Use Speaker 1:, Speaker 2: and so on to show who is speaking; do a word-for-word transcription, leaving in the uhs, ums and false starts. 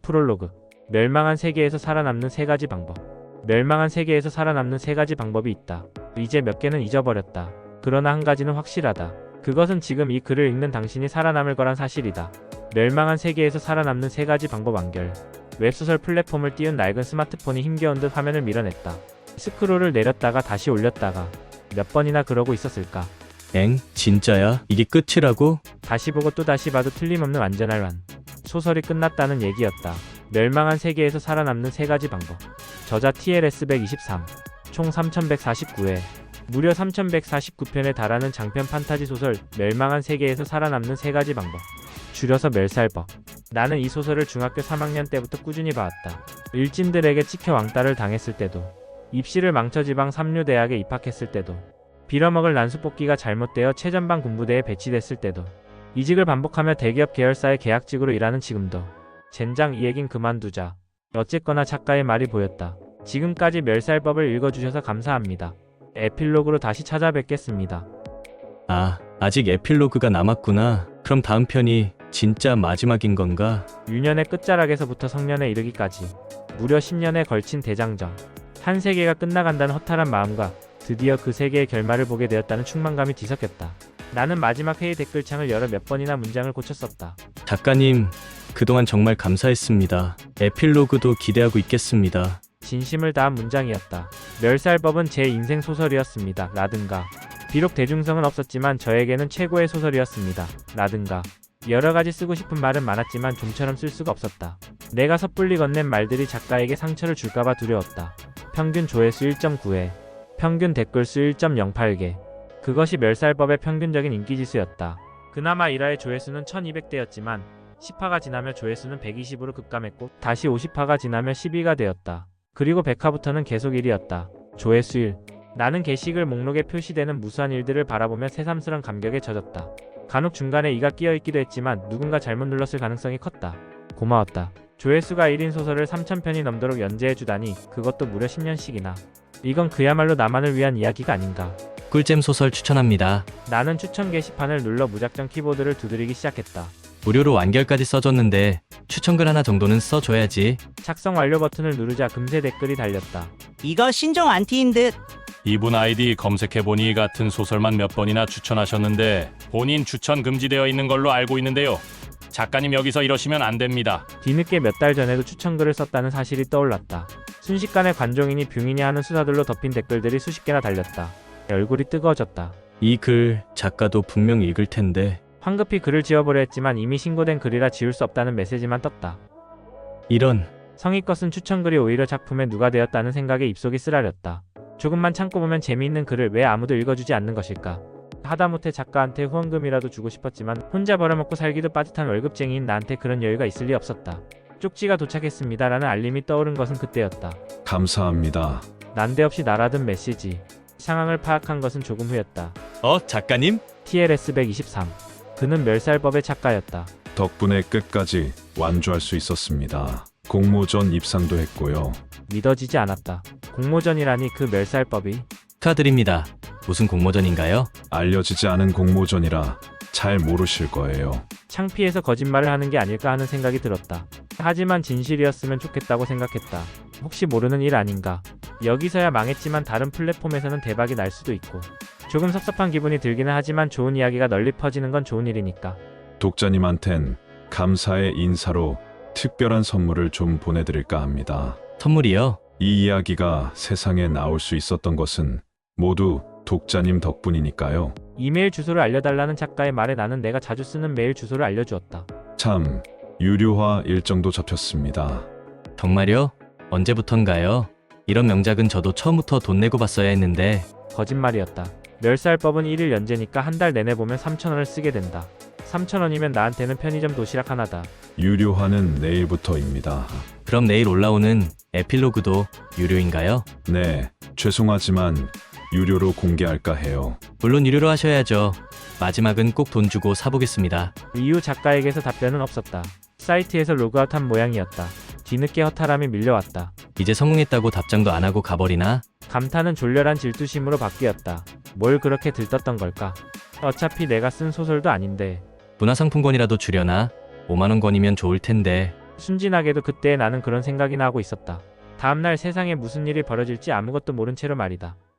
Speaker 1: 프롤로그. 멸망한 세계에서 살아남는 세 가지 방법. 멸망한 세계에서 살아남는 세 가지 방법이 있다. 이제 몇 개는 잊어버렸다. 그러나 한 가지는 확실하다. 그것은 지금 이 글을 읽는 당신이 살아남을 거란 사실이다. 멸망한 세계에서 살아남는 세 가지 방법 완결. 웹소설 플랫폼을 띄운 낡은 스마트폰이 힘겨운 듯 화면을 밀어냈다. 스크롤을 내렸다가 다시 올렸다가 몇 번이나 그러고 있었을까.
Speaker 2: 엥? 진짜야? 이게 끝이라고?
Speaker 1: 다시 보고 또 다시 봐도 틀림없는 완전할 완. 소설이 끝났다는 얘기였다. 멸망한 세계에서 살아남는 세 가지 방법. 저자 티엘에스 백이십삼. 총 삼천백사십구 회. 무려 삼천백사십구 편에 달하는 장편 판타지 소설 멸망한 세계에서 살아남는 세 가지 방법. 줄여서 멸살법. 나는 이 소설을 중학교 삼 학년 때부터 꾸준히 봐왔다. 일진들에게 찍혀 왕따를 당했을 때도, 입시를 망쳐 지방 삼류 대학에 입학했을 때도, 빌어먹을 난수뽑기가 잘못되어 최전방 군부대에 배치됐을 때도, 이직을 반복하며 대기업 계열사의 계약직으로 일하는 지금도. 젠장 이 얘긴 그만두자. 어쨌거나 작가의 말이 보였다. 지금까지 멸살법을 읽어주셔서 감사합니다. 에필로그로 다시 찾아뵙겠습니다.
Speaker 2: 아, 아직 에필로그가 남았구나. 그럼 다음 편이 진짜 마지막인 건가?
Speaker 1: 유년의 끝자락에서부터 성년에 이르기까지 무려 십 년에 걸친 대장정. 한 세계가 끝나간다는 허탈한 마음과 드디어 그 세계의 결말을 보게 되었다는 충만감이 뒤섞였다. 나는 마지막 회의 댓글창을 열어 몇 번이나 문장을 고쳤었다.
Speaker 2: 작가님, 그동안 정말 감사했습니다. 에필로그도 기대하고 있겠습니다.
Speaker 1: 진심을 다한 문장이었다. 멸살법은 제 인생 소설이었습니다. 라든가. 비록 대중성은 없었지만 저에게는 최고의 소설이었습니다. 라든가. 여러가지 쓰고 싶은 말은 많았지만 좀처럼 쓸 수가 없었다. 내가 섣불리 건넨 말들이 작가에게 상처를 줄까봐 두려웠다. 평균 조회수 일 점 구 회. 평균 댓글수 일 점 영팔 개. 그것이 멸살법의 평균적인 인기지수였다. 그나마 일 화의 조회수는 천이백 대였지만 십 화가 지나며 조회수는 백이십으로 급감했고 다시 오십 화가 지나며 십이가 되었다. 그리고 백 화부터는 계속 일이었다. 조회수 일. 나는 게시글 목록에 표시되는 무수한 일들을 바라보며 새삼스런 감격에 젖었다. 간혹 중간에 이가 끼어있기도 했지만 누군가 잘못 눌렀을 가능성이 컸다. 고마웠다. 조회수가 일인 소설을 삼천 편이 넘도록 연재해주다니, 그것도 무려 십 년씩이나. 이건 그야말로 나만을 위한 이야기가 아닌가.
Speaker 2: 꿀잼 소설 추천합니다.
Speaker 1: 나는 추천 게시판을 눌러 무작정 키보드를 두드리기 시작했다.
Speaker 2: 무료로 완결까지 써줬는데 추천글 하나 정도는 써줘야지.
Speaker 1: 작성 완료 버튼을 누르자 금세 댓글이 달렸다.
Speaker 3: 이거 신종 안티인 듯.
Speaker 4: 이분 아이디 검색해보니 같은 소설만 몇 번이나 추천하셨는데 본인 추천 금지되어 있는 걸로 알고 있는데요. 작가님 여기서 이러시면 안 됩니다.
Speaker 1: 뒤늦게 몇 달 전에도 추천글을 썼다는 사실이 떠올랐다. 순식간에 관종이니 뷰이니 하는 수사들로 덮인 댓글들이 수십 개나 달렸다. 얼굴이 뜨거워졌다.
Speaker 2: 이 글 작가도 분명 읽을 텐데.
Speaker 1: 황급히 글을 지워보려 했지만 이미 신고된 글이라 지울 수 없다는 메시지만 떴다.
Speaker 2: 이런.
Speaker 1: 성의껏 쓴 추천글이 오히려 작품에 누가 되었다는 생각에 입속이 쓰라렸다. 조금만 참고 보면 재미있는 글을 왜 아무도 읽어주지 않는 것일까? 하다못해 작가한테 후원금이라도 주고 싶었지만 혼자 벌어먹고 살기도 빠듯한 월급쟁이인 나한테 그런 여유가 있을 리 없었다. 쪽지가 도착했습니다 라는 알림이 떠오른 것은 그때였다.
Speaker 5: 감사합니다.
Speaker 1: 난데없이 날아든 메시지. 상황을 파악한 것은 조금 후였다.
Speaker 2: 어, 작가님?
Speaker 1: 티엘에스 백이십삼. 그는 멸살법의 작가였다.
Speaker 5: 덕분에 끝까지 완주할 수 있었습니다. 공모전 입상도 했고요.
Speaker 1: 믿어지지 않았다. 공모전이라니 그 멸살법이.
Speaker 2: 축하드립니다. 무슨 공모전인가요?
Speaker 5: 알려지지 않은 공모전이라 잘 모르실 거예요.
Speaker 1: 창피해서 거짓말을 하는 게 아닐까 하는 생각이 들었다. 하지만 진실이었으면 좋겠다고 생각했다. 혹시 모르는 일 아닌가. 여기서야 망했지만 다른 플랫폼에서는 대박이 날 수도 있고. 조금 섭섭한 기분이 들기는 하지만 좋은 이야기가 널리 퍼지는 건 좋은 일이니까.
Speaker 5: 독자님한텐 감사의 인사로 특별한 선물을 좀 보내드릴까 합니다.
Speaker 2: 선물이요?
Speaker 5: 이 이야기가 세상에 나올 수 있었던 것은 모두 독자님 덕분이니까요.
Speaker 1: 이메일 주소를 알려달라는 작가의 말에 나는 내가 자주 쓰는 메일 주소를 알려주었다.
Speaker 5: 참, 유료화 일정도 잡혔습니다.
Speaker 2: 정말요? 언제부턴가요? 이런 명작은 저도 처음부터 돈 내고 봤어야 했는데.
Speaker 1: 거짓말이었다. 멸살법은 일 일 연재니까 한 달 내내 보면 삼천 원을 쓰게 된다. 삼천 원이면 나한테는 편의점 도시락 하나다.
Speaker 5: 유료화는 내일부터입니다.
Speaker 2: 그럼 내일 올라오는 에필로그도 유료인가요?
Speaker 5: 네, 죄송하지만 유료로 공개할까 해요.
Speaker 2: 물론 유료로 하셔야죠. 마지막은 꼭 돈 주고 사보겠습니다.
Speaker 1: 이후 작가에게서 답변은 없었다. 사이트에서 로그아웃한 모양이었다. 뒤늦게 허탈함이 밀려왔다.
Speaker 2: 이제 성공했다고 답장도 안 하고 가버리나?
Speaker 1: 감탄은 졸렬한 질투심으로 바뀌었다. 뭘 그렇게 들떴던 걸까? 어차피 내가 쓴 소설도 아닌데.
Speaker 2: 문화상품권이라도 주려나? 오만 원권이면 좋을 텐데.
Speaker 1: 순진하게도 그때 나는 그런 생각이나 하고 있었다. 다음날 세상에 무슨 일이 벌어질지 아무것도 모른 채로 말이다.